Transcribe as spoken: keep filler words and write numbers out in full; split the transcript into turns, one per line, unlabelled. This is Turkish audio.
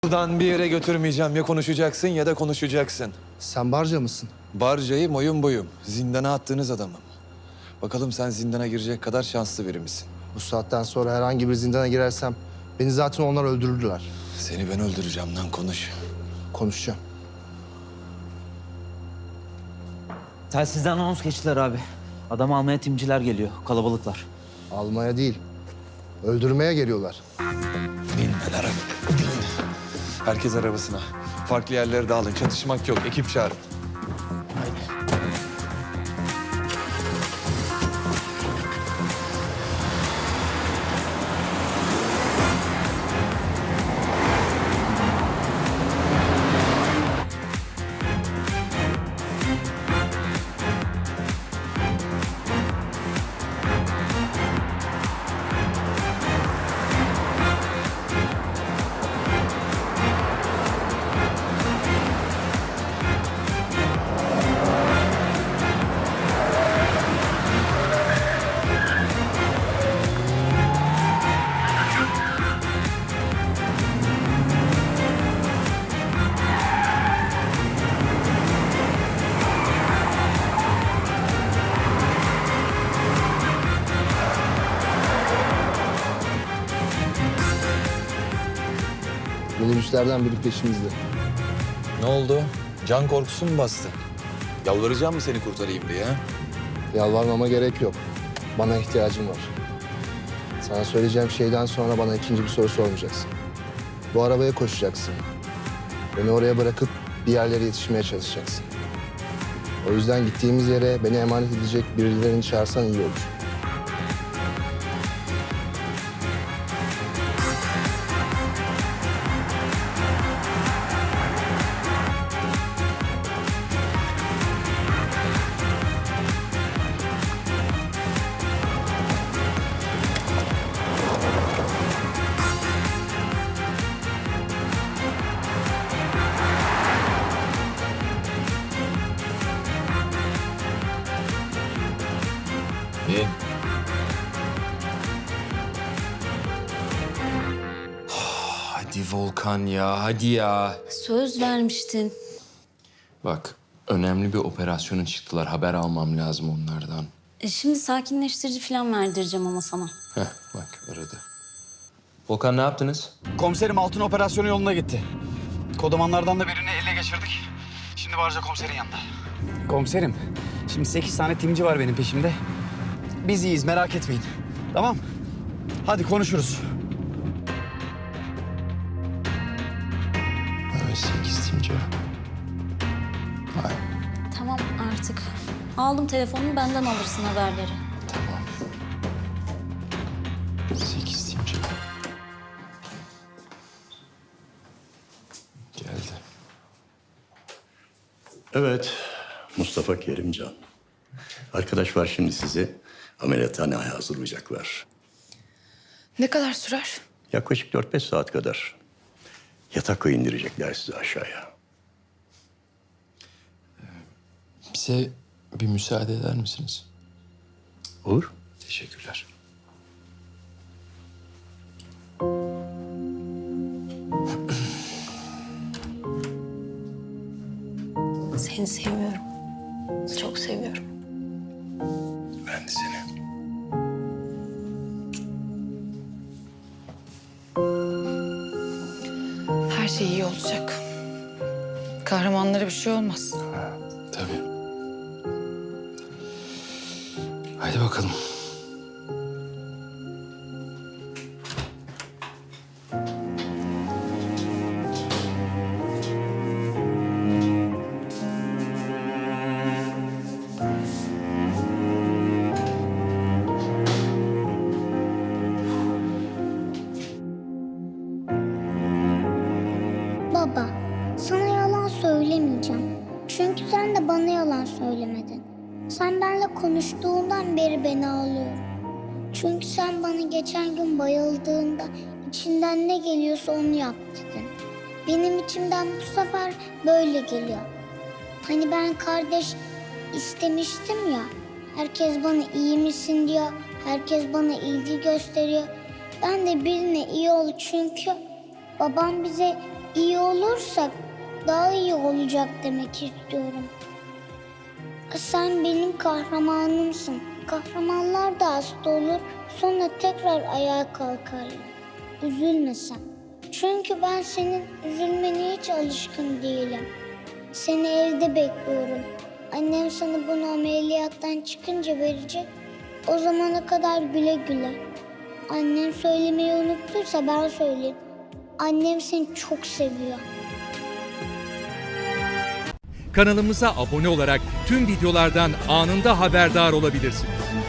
Buradan bir yere götürmeyeceğim. Ya konuşacaksın ya da konuşacaksın.
Sen barca mısın?
Barcayı boyum boyum. Zindana attığınız adamım. Bakalım sen zindana girecek kadar şanslı biri misin?
Bu saatten sonra herhangi bir zindana girersem beni zaten onlar öldürürdüler.
Seni ben öldüreceğim lan, konuş.
Konuşacağım.
Telsizden anons geçtiler abi. Adam almaya timciler geliyor. Kalabalıklar.
Almaya değil, öldürmeye geliyorlar.
Bin ben araba. Bin. Herkes arabasına. Farklı yerlere dağılın. Çatışmak yok. Ekip çağırın.
Minibüslerden biri peşimizde.
Ne oldu? Can korkusu mu bastı? Yalvaracağım mı seni kurtarayım diye? Ha?
Yalvarmama gerek yok. Bana ihtiyacım var. Sana söyleyeceğim şeyden sonra bana ikinci bir soru sormayacaksın. Bu arabaya koşacaksın. Beni oraya bırakıp bir yerlere yetişmeye çalışacaksın. O yüzden gittiğimiz yere beni emanet edecek birilerini çağırsan iyi olur.
İyi.
Hadi Volkan ya, hadi ya.
Söz vermiştin.
Bak, önemli bir operasyona çıktılar. Haber almam lazım onlardan.
E şimdi sakinleştirici falan verdireceğim ama sana.
Heh, bak aradı. Volkan ne yaptınız?
Komiserim altın operasyonu yoluna gitti. Kodamanlardan da birini ele geçirdik. Şimdi Barca komiserin yanında. Komiserim, şimdi sekiz tane timci var benim peşimde. Biz iyiyiz, merak etmeyin. Tamam? Hadi konuşuruz.
Evet, sekiz timci. Vay,
Tamam artık. Aldım telefonunu, benden alırsın haberleri.
tamam. Sekiz timci. Geldi.
Evet, Mustafa Kerimcan. Arkadaş var şimdi sizi ameliyathaneye hazırlayacaklar.
Ne kadar sürer?
Yaklaşık dört beş saat kadar. Yatakla indirecekler sizi aşağıya.
Bize bir müsaade eder misiniz?
Olur.
Teşekkürler.
Seni seviyorum. Çok seviyorum.
Ben de seni.
Her şey iyi olacak. Kahramanlara bir şey olmaz.
Tabii. Haydi bakalım.
Baba, sana yalan söylemeyeceğim. Çünkü sen de bana yalan söylemedin. Sen benimle konuştuğundan beri beni ağlıyorum. Çünkü sen bana geçen gün bayıldığında içinden ne geliyorsa onu yap dedin. Benim içimden bu sefer böyle geliyor. Hani ben kardeş istemiştim ya. Herkes bana iyi misin diyor. Herkes bana ilgi gösteriyor. Ben de birine iyi ol çünkü babam bize olursak daha iyi olacak demek istiyorum. Sen benim kahramanımsın. Kahramanlar da hasta olur, sonra tekrar ayağa kalkarlar. Üzülme sen. Çünkü ben senin üzülmene hiç alışkın değilim. Seni evde bekliyorum. Annem sana bunu ameliyattan çıkınca verecek. O zamana kadar güle güle. Annem söylemeyi unuttuysa ben söyleyeyim. Annem seni çok seviyor.
Kanalımıza abone olarak tüm videolardan anında haberdar olabilirsiniz.